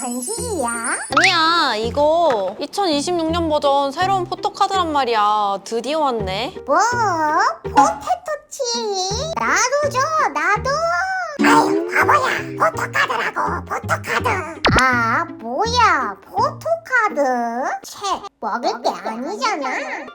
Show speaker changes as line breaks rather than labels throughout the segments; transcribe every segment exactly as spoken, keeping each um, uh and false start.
간식이야?
아니야, 이거 이천이십육 년 버전 새로운 포토카드란 말이야. 드디어 왔네.
뭐? 포테토치? 나도 줘, 나도! 아유, 바보야. 포토카드라고, 포토카드. 아, 뭐야, 포토카드? 채, 먹을 게 아니잖아.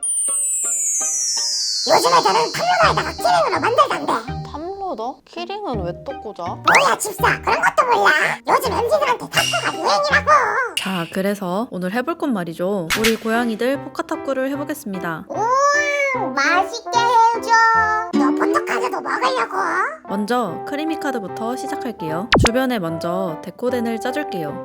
요즘 애들은 탐로다에다가 키링으로 만들던데.
탐로더? 키링은 왜 또 꽂아?
뭐야, 집사. 그런 것도 몰라. 요즘 엠지들한테 탁구가 유행이라고.
자, 그래서 오늘 해볼 건 말이죠. 우리 고양이들 포카탁구를 해보겠습니다.
음, 맛있게 해줘. 너 포토카드도 먹으려고?
먼저 크리미 카드부터 시작할게요. 주변에 먼저 데코덴을 짜줄게요.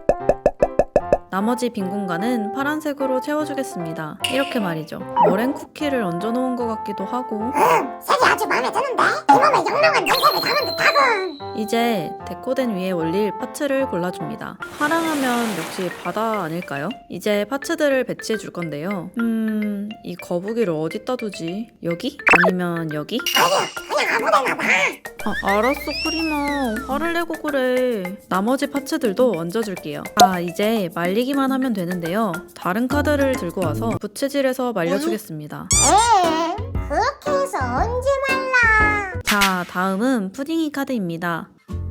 나머지 빈 공간은 파란색으로 채워주겠습니다. 이렇게 말이죠. 머랭 쿠키를 얹어놓은 것 같기도 하고.
응, 색이 아주 마음에 드는데? 이 몸에 영롱한 냄새를 담은 듯하군.
이제 데코덴 위에 올릴 파츠를 골라줍니다. 파랑하면 역시 바다 아닐까요? 이제 파츠들을 배치해 줄 건데요. 음... 이 거북이를 어디다 두지? 여기? 아니면 여기?
아니야, 그냥 아무데나 봐.
아, 알았어, 크리마. 화를 내고 그래. 나머지 파츠들도 얹어줄게요. 아, 이제 말리기만 하면 되는데요. 다른 카드를 들고 와서 부채질해서 말려주겠습니다.
에 그렇게 해서 언제 말라?
자, 다음은 푸딩이 카드입니다.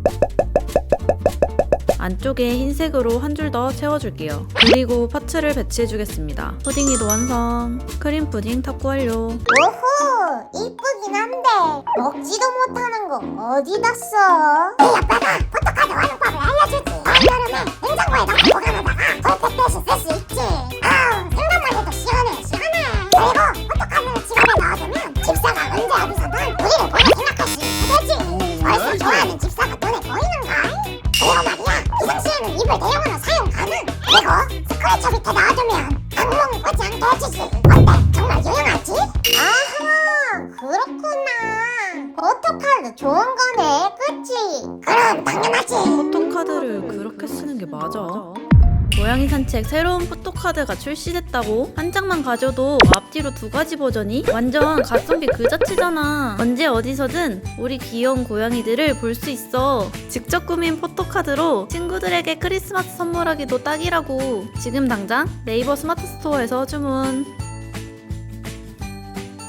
안쪽에 흰색으로 한 줄 더 채워줄게요. 그리고 파츠를 배치해주겠습니다. 푸딩이도 완성! 크림 푸딩 탁구 완료!
오호, 이쁘긴 한데 먹지도 못하는 거 어디다 써? 내 아빠가 포토카드 활용법을 알려주지. 다음 여름에 냉장고에 넣고 보관하다가 볼펜 대신 쓸 수 있지. 아우, 생각만 해도 시원해, 시원해. 그리고 포토카드를 지갑에 넣어두면 집사가 언제 어디서든 우리를 보고 생각할 수 있게 되지. 벌써 좋아하는 집사가 눈에 보이는걸? 그리고 말이야, 비상시에는 이불 대용으로 사용 가능. 그리고 스크래처 밑에 놔두면 악몽 오지 않게 해주지. 어때? 정말 유용하지? 아하, 그렇구나. 포토카드 좋은 거네, 그치? 그럼 당연하지.
포토카드를 그렇게 쓰는 게 맞아? 고양이 산책 새로운 포토카드가 출시됐다고? 한 장만 가져도 앞뒤로 두 가지 버전이? 완전 가성비 그 자체잖아. 언제 어디서든 우리 귀여운 고양이들을 볼 수 있어. 직접 꾸민 포토카드로 친구들에게 크리스마스 선물하기도 딱이라고. 지금 당장 네이버 스마트 스토어에서 주문.